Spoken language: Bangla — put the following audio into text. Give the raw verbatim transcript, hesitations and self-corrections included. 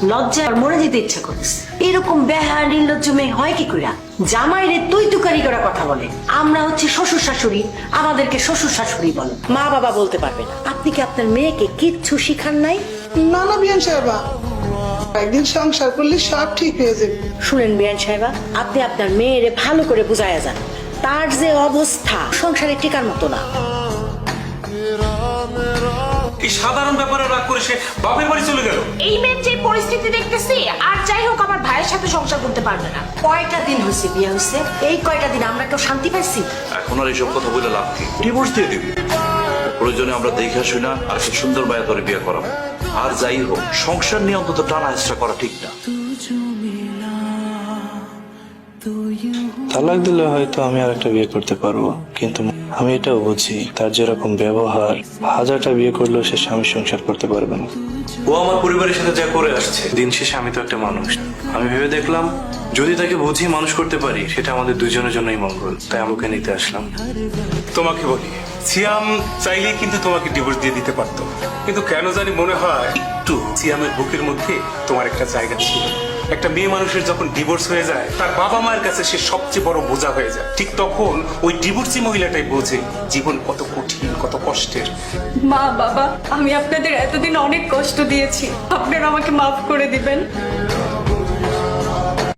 লজ্জায় আর মরে যেতে ইচ্ছা করতেছে। এরকম বেহা নির্লজ্জ মেয়ে হয় কি কইরা? জামাইরে তুই তুকারি করে কথা বলে। আমরা হচ্ছে শ্বশুর শাশুড়ি, আমাদেরকে শ্বশুর শাশুড়ি বলো, মা বাবা বলতে পারবে না। আপনি কি আপনার মেয়েকে কিচ্ছু শিখান নাই? না না বিয়ান সাহেবা, একদিন সংসার করলে সব ঠিক হয়ে যাবে। শুনেন বিয়ান সাহেবা, আপনি আপনার মেয়েরে ভালো করে বুঝাইয়া যান। তার যে অবস্থা সংসারে টিকার মতো না। এই সাধারণ ব্যাপারে রাগ করে সে বাপের বাড়ি চলে গেল। এই মেয়ের যে পরিস্থিতি দেখতেছি, আর যাই হোক আমার ভাইয়ের সাথে সংসার করতে পারবে না। কয়টা দিন হয়েছে বিয়ে হয়েছে, এই কয়টা দিন আমরা কেউ শান্তি পাইছি? এখন আর এইসব কথা বলে লাভ কি? ডিভোর্স দিয়ে দিবি। প্রয়োজনে আমরা দেখে আসি না আর খুব সুন্দর বায়া করে বিয়ে করাবো। আর যাই হোক, সংসার নিয়ে অন্তত টানা হেঁচড়া করা ঠিক না। তালাক দিলে হয়তো আমি আর একটা বিয়ে করতে পারবো, কিন্তু আমি এটাও বুঝি তার যেরকম ব্যবহার, হাজারটা বিয়ে করলেও সে স্বামী সংসার করতে পারবে না। ও আমার পরিবারের সাথে যা করে আসছে, দিন শেষে আমি তো একটা মানুষ। আমি ভেবে দেখলাম যদি তাকে বুঝিয়ে মানুষ করতে পারি, সেটা আমাদের দুজনের জন্যই মঙ্গল। তাই আমাকে নিতে আসলাম। তোমাকে বলি, সিয়াম চাইলে কিন্তু তোমাকে ডিভোর্স দিয়ে দিতে পারতো, কিন্তু কেন জানি মনে হয় একটু সিয়ামের বুকের মধ্যে তোমার একটা জায়গা ছিল। একটা মেয়ে মানুষের যখন ডিভোর্স হয়ে যায়, তার বাবা মায়ের কাছে সে সবচেয়ে বড় বোঝা হয়ে যায়। ঠিক তখন ওই ডিভোর্সি মহিলাটাই বোঝে জীবন কত কঠিন, কত কষ্টের। মা বাবা, আমি আপনাদের এতদিন অনেক কষ্ট দিয়েছি, আপনারা আমাকে মাফ করে দিবেন।